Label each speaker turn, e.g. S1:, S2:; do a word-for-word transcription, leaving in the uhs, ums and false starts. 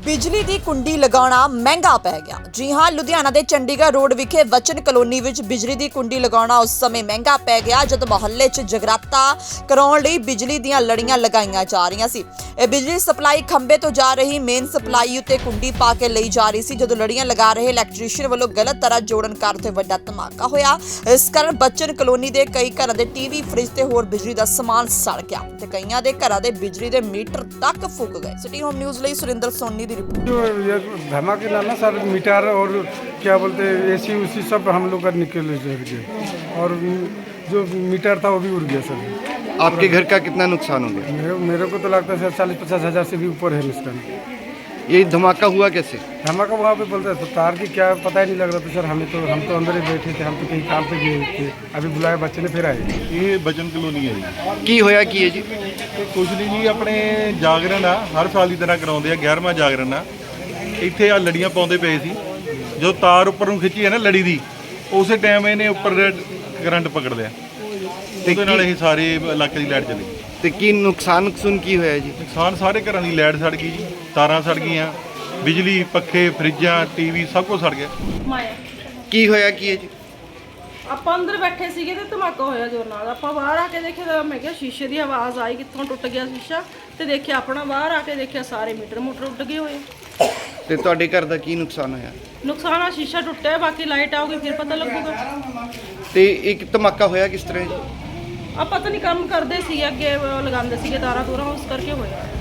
S1: ਬਿਜਲੀ ਦੀ ਕੁੰਡੀ ਲਗਾਉਣਾ ਮਹਿੰਗਾ ਪੈ ਗਿਆ। ਜੀ ਹਾਂ, ਲੁਧਿਆਣਾ ਦੇ ਚੰਡੀਗੜ੍ਹ ਰੋਡ ਵਿਖੇ ਵਚਨ ਕਲੋਨੀ ਵਿੱਚ ਬਿਜਲੀ ਦੀ ਕੁੰਡੀ ਲਗਾਉਣਾ ਉਸ ਸਮੇਂ ਮਹਿੰਗਾ ਪੈ ਗਿਆ ਜਦ ਮੁਹੱਲੇ 'ਚ ਜਗਰਾਤਾ ਕਰਾਉਣ ਲਈ ਬਿਜਲੀ ਦੀਆਂ ਲੜੀਆਂ ਲਗਾਈਆਂ ਜਾ ਰਹੀਆਂ ਸੀ। ਇਹ ਬਿਜਲੀ ਸਪਲਾਈ ਖੰਭੇ ਤੋਂ ਜਾ ਰਹੀ ਮੇਨ ਸਪਲਾਈ ਉੱਤੇ ਕੁੰਡੀ ਪਾ ਕੇ ਲਈ ਜਾ ਰਹੀ ਸੀ। ਜਦੋਂ ਲੜੀਆਂ ਲਗਾ ਰਹੇ ਇਲੈਕਟ੍ਰੀਸ਼ੀਅਨ ਵੱਲੋਂ ਗਲਤ ਤਰ੍ਹਾਂ ਜੋੜਨ ਕਾਰਨ ਤੇ ਵੱਡਾ ਧਮਾਕਾ ਹੋਇਆ। ਇਸ ਕਾਰਨ ਵਚਨ ਕਲੋਨੀ ਦੇ ਕਈ ਘਰਾਂ ਦੇ ਟੀਵੀ, ਫ੍ਰਿਜ ਤੇ ਹੋਰ ਬਿਜਲੀ ਦਾ ਸਮਾਨ ਸੜ ਗਿਆ ਤੇ ਕਈਆਂ ਦੇ ਘਰਾਂ ਦੇ ਬਿਜਲੀ ਦੇ ਮੀਟਰ ਤੱਕ ਫੁੱਕ ਗਏ। ਸਿਟੀ ਹੋਮ ਨਿਊਜ਼ ਲਈ ਸੁਰਿੰਦਰ ਸੋਨੀ ਦੀ रिपोर्ट।
S2: जो ये धमाके ना सर मीटर और क्या बोलते हैं एसी उसी सब हम लोग का निकल गए और जो मीटर था वो भी उड़ गया सर।
S3: आपके घर का कितना नुकसान हो गया?
S2: मेरे मेरे को तो लगता है सर चालीस पचास हज़ार से भी ऊपर है नुकसान।
S3: ये धमाका हुआ कैसे?
S2: धमाका वहाँ पे बोलते हैं तार की क्या पता ही नहीं लग रहा था सर। हमें तो हम तो अंदर ही बैठे थे, हम तो कहीं काम पे गए थे। अभी बुलाया बच्चे ने फिर आए।
S4: ये बचन कलोनी है जी।
S3: की होया की है जी?
S4: ਇਹ ਕੁਝ ਨਹੀਂ ਜੀ, ਆਪਣੇ ਜਾਗਰਣ ਆ ਹਰ ਸਾਲ ਦੀ ਤਰ੍ਹਾਂ ਕਰਾਉਂਦੇ ਆ। ਗਿਆਰਵਾਂ ਜਾਗਰਣ ਆ। ਇੱਥੇ ਆ ਲੜੀਆਂ ਪਾਉਂਦੇ ਪਏ ਸੀ। ਜਦੋਂ ਤਾਰ ਉੱਪਰ ਨੂੰ ਖਿੱਚੀ ਹੈ ਨਾ ਲੜੀ ਦੀ, ਉਸੇ ਟਾਈਮ ਇਹਨੇ ਉੱਪਰ ਕਰੰਟ ਪਕੜ ਲਿਆ। ਉਹਦੇ ਨਾਲ ਇਹ ਸਾਰੇ ਇਲਾਕੇ ਦੀ ਲਾਈਟ ਚਲੀ ਗਈ।
S3: ਤੇ ਕੀ ਨੁਕਸਾਨ ਨੁਕਸਾਨ ਕੀ ਹੋਇਆ ਜੀ?
S4: ਨੁਕਸਾਨ ਸਾਰੇ ਘਰਾਂ ਦੀ ਲਾਈਟ ਸੜ ਗਈ ਜੀ, ਤਾਰਾਂ ਸੜ ਗਈਆਂ, ਬਿਜਲੀ, ਪੱਖੇ, ਫਰਿੱਜਾਂ, ਟੀਵੀ ਸਭ ਕੁਝ ਸੜ ਗਿਆ।
S5: ਮਾਇਆ
S3: ਕੀ ਹੋਇਆ ਕੀ ਹੈ ਜੀ?
S5: ਆਪਾਂ ਅੰਦਰ ਬੈਠੇ ਸੀਗੇ ਤੇ ਧਮਾਕਾ ਹੋਇਆ ਜ਼ੋਰ ਨਾਲ। ਆਪਾਂ ਬਾਹਰ ਆ ਕੇ ਦੇਖਿਆ ਤਾਂ ਮੈਂ ਕਿਹਾ ਸ਼ੀਸ਼ੇ ਦੀ ਆਵਾਜ਼ ਆਈ, ਕਿੱਥੋਂ ਟੁੱਟ ਗਿਆ ਸ਼ੀਸ਼ਾ, ਤੇ ਦੇਖਿਆ ਆਪਣਾ ਬਾਹਰ ਆ ਕੇ ਦੇਖਿਆ ਸਾਰੇ ਮੀਟਰ ਮੋਟਰ ਉੱਡ ਗਏ ਹੋਏ।
S3: ਤੇ ਤੁਹਾਡੇ ਘਰ ਦਾ ਕੀ ਨੁਕਸਾਨ ਹੋਇਆ?
S5: ਨੁਕਸਾਨ ਆ ਸ਼ੀਸ਼ਾ ਟੁੱਟਿਆ, ਬਾਕੀ ਲਾਈਟ ਆਊਗੀ ਫਿਰ ਪਤਾ ਲੱਗੂਗਾ।
S3: ਤੇ ਇੱਕ ਧਮਾਕਾ ਹੋਇਆ ਕਿਸ ਤਰ੍ਹਾਂ ਜੀ?
S5: ਆਪਾਂ ਤਾਂ ਨਹੀਂ ਕੰਮ ਕਰਦੇ ਸੀ, ਅੱਗੇ ਲਗਾਉਂਦੇ ਸੀਗੇ ਤਾਰਾਂ ਤੂਰਾਂ, ਉਸ ਕਰਕੇ ਹੋਇਆ।